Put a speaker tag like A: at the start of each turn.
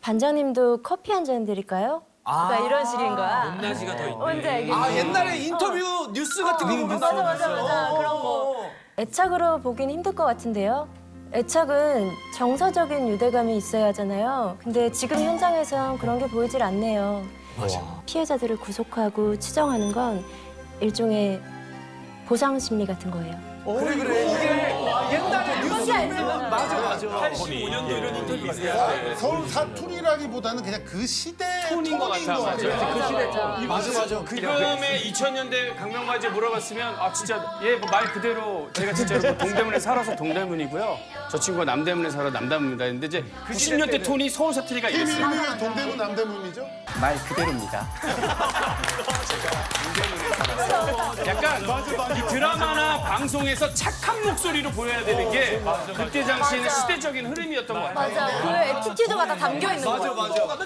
A: 반장님도 커피 한 잔 드릴까요? 그러니까 이런 식인 거야.
B: 높낮이가 더 있네.
A: 뭔지 알겠지?
C: 아 옛날에 인터뷰 뉴스 같은 거 보면
A: 맞아. 그런 거. 애착으로 보긴 힘들 것 같은데요. 애착은 정서적인 유대감이 있어야 하잖아요. 근데 지금 현장에선 그런 게 보이질 않네요.
C: 맞아.
A: 피해자들을 구속하고 치정하는 건 일종의 보상 심리 같은 거예요.
C: 그래 이게 옛날에 뉴스 보면 맞아.
B: 85년도 이런 인터뷰가 있어요.
D: 서울 사투리라기보다는 그냥 그 시대의
E: 톤인 것 같아,
C: 맞아.
E: 지금의 2000년대 강명바지에 물어봤으면 아 진짜 얘 말 그대로 제가 진짜로 뭐 동대문에 살아서 동대문이고요. 저 친구가 남대문에 살아 남대문입니다. 근데 이제 90년대 톤이 서울 사투리가
D: 팀
E: 이랬어요.
D: 이름이 동대문 남대문이죠?
F: 말 그대로입니다.
E: 약간 이 드라마나 방송에서 착한 목소리로 보여야 되는 게 그때 당시에는 시대적인 흐름이었던 것 같아요.
A: 맞아. 그 에티튜드가 다 담겨 있는 거야.
C: 맞아.